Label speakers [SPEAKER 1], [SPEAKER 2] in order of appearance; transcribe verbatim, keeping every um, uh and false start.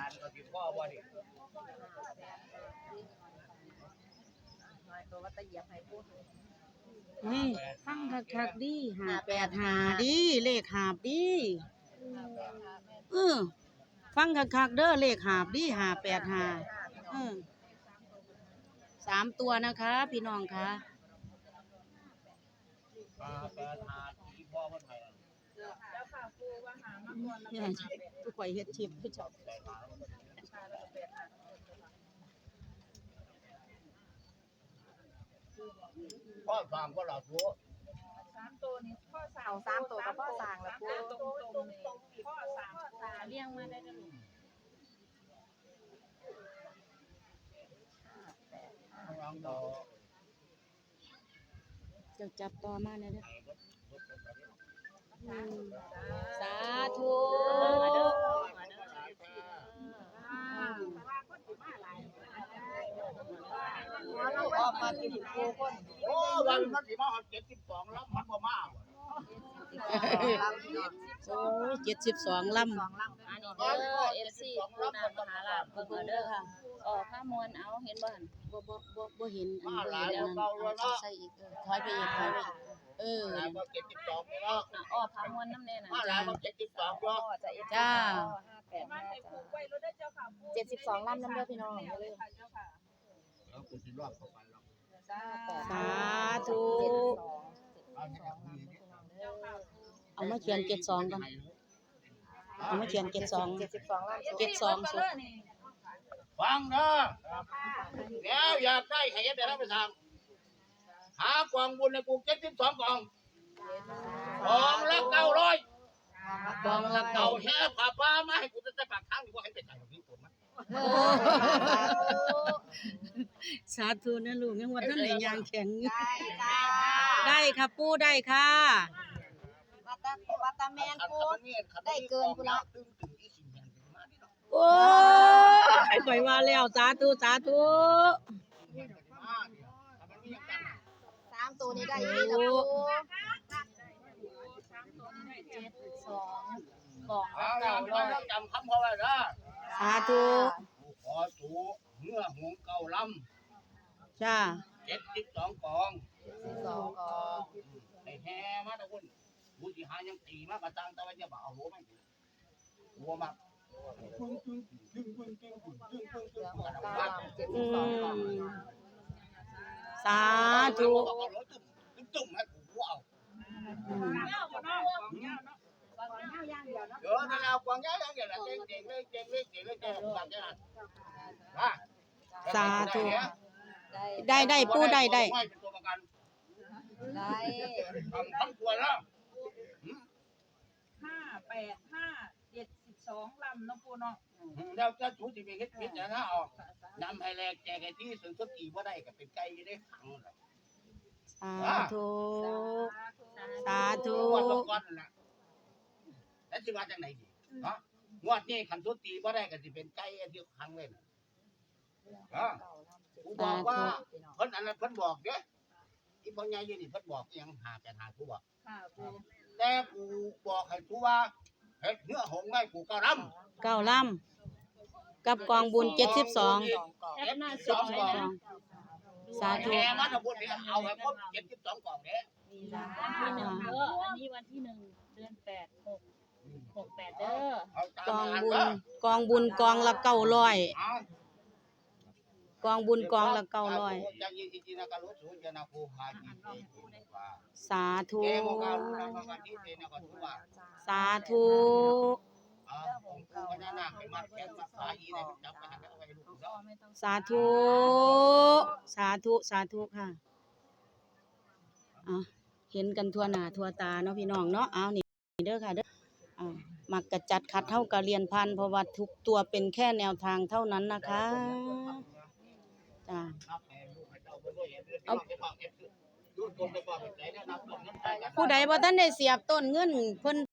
[SPEAKER 1] านก็สิพ่อบ่ดิ
[SPEAKER 2] ตัวว่าตะเหยียบให้พูด
[SPEAKER 3] นี่ฟังคักๆดิห้าแปดห้าดิเลขหาบดิเออฟังคักๆเด้อเลขหาบดิห้าแปดห้าเออสามตัวนะคะ พี่น้องคะ
[SPEAKER 1] ห้าแปดห้าที่พ่อเพิ่นให้
[SPEAKER 2] แล้วค่ะครูว่าหามาก่อนแล้ว
[SPEAKER 3] เนี่ยทุกข่อยเฮ็ดชิปผู้ชอบ
[SPEAKER 1] พ่อฟังก็หลับหัว
[SPEAKER 2] สามตัวนี้พ่อสาวสามตัวกับพ่อสางแล้วครูตรงตรงตรงพ่อสามตาเลี้ยงมาได้แล้ว
[SPEAKER 3] จะจับต่อมาเนี่ยเด้อสาธุ
[SPEAKER 2] ออกมากินครูคน
[SPEAKER 1] โอ้วันมันสิมาฮอดเจ็ดสิบสองแล้วมันบ่มาบ่
[SPEAKER 3] โอ้ยเจ็ดสิบสองลำ
[SPEAKER 4] อันนี้เด้อ เอฟ ซี ปูนามหาลาภเบิ่งเด้อค่ะออกผ้ามวนเอาเห็นบ่หั่น
[SPEAKER 3] บ่บ่บ่บ่เห็นอันบ่เห็นอันนั้นเอาใส่อีกเออถอยไปอีกถอยไปอีกเออ
[SPEAKER 1] หลายบ่เจ็ดสิบสองนี่เนาะ
[SPEAKER 4] น่ะออกผ้ามวนนำแน่น่ะ
[SPEAKER 1] มาหลายบ่เจ็ดสิบสองเนาะ
[SPEAKER 2] จะเอ็ด
[SPEAKER 3] จ้า
[SPEAKER 2] มาให้ครูไว้รถได้เจ้าค่ะ
[SPEAKER 4] เจ็ดสิบสองลำนำเด้อพี่น้องอย่าลืม
[SPEAKER 2] เจ้าค่ะ
[SPEAKER 1] แล้วกูสิรอดเข้าไปแล้ว
[SPEAKER 3] สาธุ
[SPEAKER 1] เอาเนี่ยเอาเนี่ย
[SPEAKER 3] เอามาเขียนเจ็ดสองก่อนเอามาเขียนเจ็ดสอง
[SPEAKER 2] เจ็ดสิบสองล้าน
[SPEAKER 3] เจ็ดสองสุด
[SPEAKER 1] ฟังเด้อแล้วอยากได้ให้เฮ็ดได้ทำไปทางหากองบุญให้กูเจ็ดสิบสองกองกองละเก้าร้อย
[SPEAKER 3] กองละ
[SPEAKER 1] เก่า
[SPEAKER 3] เก้า
[SPEAKER 1] แท้ผ้าป้ามาให้กูจะได้ปากทางนี่ว่าให้ไปจ่ายของพี่ผมมั้ย
[SPEAKER 3] สาธุนะลูกยังว่าท่านไหนยางแข็งอยู่
[SPEAKER 2] ได้จ้า
[SPEAKER 3] ได้ค่ะปู่ได้ค่ะ
[SPEAKER 2] วัตตาวัตตาแมนพูดได้เกินกูละ
[SPEAKER 1] ตึงตึงอีสิแม่นมาดิเนาะ
[SPEAKER 3] โอ้ยข่อยว่าแล้วสาธุสาธุ
[SPEAKER 1] มาดิถ้ามันมีอย่างกัน
[SPEAKER 2] สามตัวนี้ได้ยี่นะครู
[SPEAKER 4] เจ็ดสองกล่อง
[SPEAKER 1] เอา
[SPEAKER 4] ละ
[SPEAKER 1] ล่ะ
[SPEAKER 4] เก้าร้อย
[SPEAKER 1] จำคำเขาไว้เด้อ
[SPEAKER 3] สาธุ
[SPEAKER 1] กูขอสูเมื่อหงเก่าล
[SPEAKER 3] จ้า
[SPEAKER 1] ำเจ็ดสิบสองกอง
[SPEAKER 2] สองกอง
[SPEAKER 1] ไอ้แห่มาตะคุณกูสิหายังตีมากระตังแต่ว่าจะบ่เอาหัวมันหัวมักตึ้งตึ้งตึ้งตึ้งตึ้งตึ้งตึ้งตึ้งตึ้งตึ้ง
[SPEAKER 2] เก้าเจ็ด
[SPEAKER 3] อื
[SPEAKER 2] สิบสองกอง
[SPEAKER 3] มสาธุ
[SPEAKER 1] ตึ้งตึ้งให้กูเอา
[SPEAKER 3] อืม
[SPEAKER 1] เดี๋ยวถ้าเรากวางย้ายอย่างเงี้ยละเจ๊งเจ๊งเลยเจ๊งเลยเจ๊งเลยเจ๊งแบบนี้นะนะ
[SPEAKER 3] สาธุได้ได้ปู่ได้ได้
[SPEAKER 1] ไม่เป็นตัวประกัน
[SPEAKER 2] ได้
[SPEAKER 1] ทำทั้งตัวแล้ว
[SPEAKER 2] ห้าแปดห้าเจ็ดสิบสองลำน้องปูเนาะ
[SPEAKER 1] แล้วจะชูสิมีเฮ็ดพิษนะนะออกนำให้แลกแจกไอ้ที่สุนทรตีบ่ได้ก็เป็นไก่ได้ขังเลย
[SPEAKER 3] สาธุสาธุ
[SPEAKER 1] งวดลงก่อนนั่นแหละแล้วสิว่าจังไหนดีเนาะงวดนี้ขันทุตีบ่ได้ก็สิเป็นไก่ที่ขังไว้น่ะเออกูบอกว่าเพิ่นอันนั้นเพิ่นบอกเด้อีพ่อใหญ่อยู่นี่เพิ่นบอกอีหยังหาแปดหากูบอก
[SPEAKER 2] ค่ะครู
[SPEAKER 1] แต่กูบอกให้กูว่าเฮ็ดเนื้อหงไว้กูก็รำ
[SPEAKER 3] เก้าลำกับกองบุญเจ็ดสิบสอง
[SPEAKER 4] แคปหน้า
[SPEAKER 1] ส
[SPEAKER 4] จ
[SPEAKER 1] อ
[SPEAKER 4] อง ไว้
[SPEAKER 1] กล่อง
[SPEAKER 4] นะ
[SPEAKER 3] สาธุ
[SPEAKER 1] แห่มาทั้งหมดเนี่ยเอาให้ครบเจ็ดสิบสองกล่องเด้
[SPEAKER 4] วันที่หนึ่งเด้ออันนี้วันที่หนึ่งเดือนแปดหกหกแปดเด้อ
[SPEAKER 1] เอาตาม
[SPEAKER 3] กอง
[SPEAKER 1] นั้น
[SPEAKER 3] บุญ
[SPEAKER 1] เด้อก
[SPEAKER 3] องบุญกองละเก้าร้อย
[SPEAKER 1] เอา
[SPEAKER 3] กองบุญกองละเก้าร้อย
[SPEAKER 1] จะยินดีนะกะรู้สูจะนะครูพาจีเจว่า
[SPEAKER 3] สาธุ
[SPEAKER 1] แกบอกว่ารู้นะว่าที่เจนะก็ถือว่า
[SPEAKER 3] สาธุ
[SPEAKER 1] อ่าผมกูก็น่านาไปมาแกมาพาอีได้จับไปให้เอาไว้ลูกเนาะ
[SPEAKER 3] สาธุ สาธุ สาธุค่ะเอาเห็นกันทั่วหน้าทั่วตาเนาะพี่น้องเนาะเอานี่เด้อค่ะเด้ออ่ามักกะจัดคัดเท่ากับเรียนพันเพราะว่าทุกตัวเป็นแค่แนวทางเท่านั้นนะคะจ้า
[SPEAKER 1] นับให้ลูกให้เจ้าเพิ่นบ่เห็นเด้อเอาไปฝากเก็บดูดคนไปฝากไปใจนะนับต้นนั้นไปกัน
[SPEAKER 3] ผู้ใดบ่ทันได้เสียบต้นเงินเพิ่น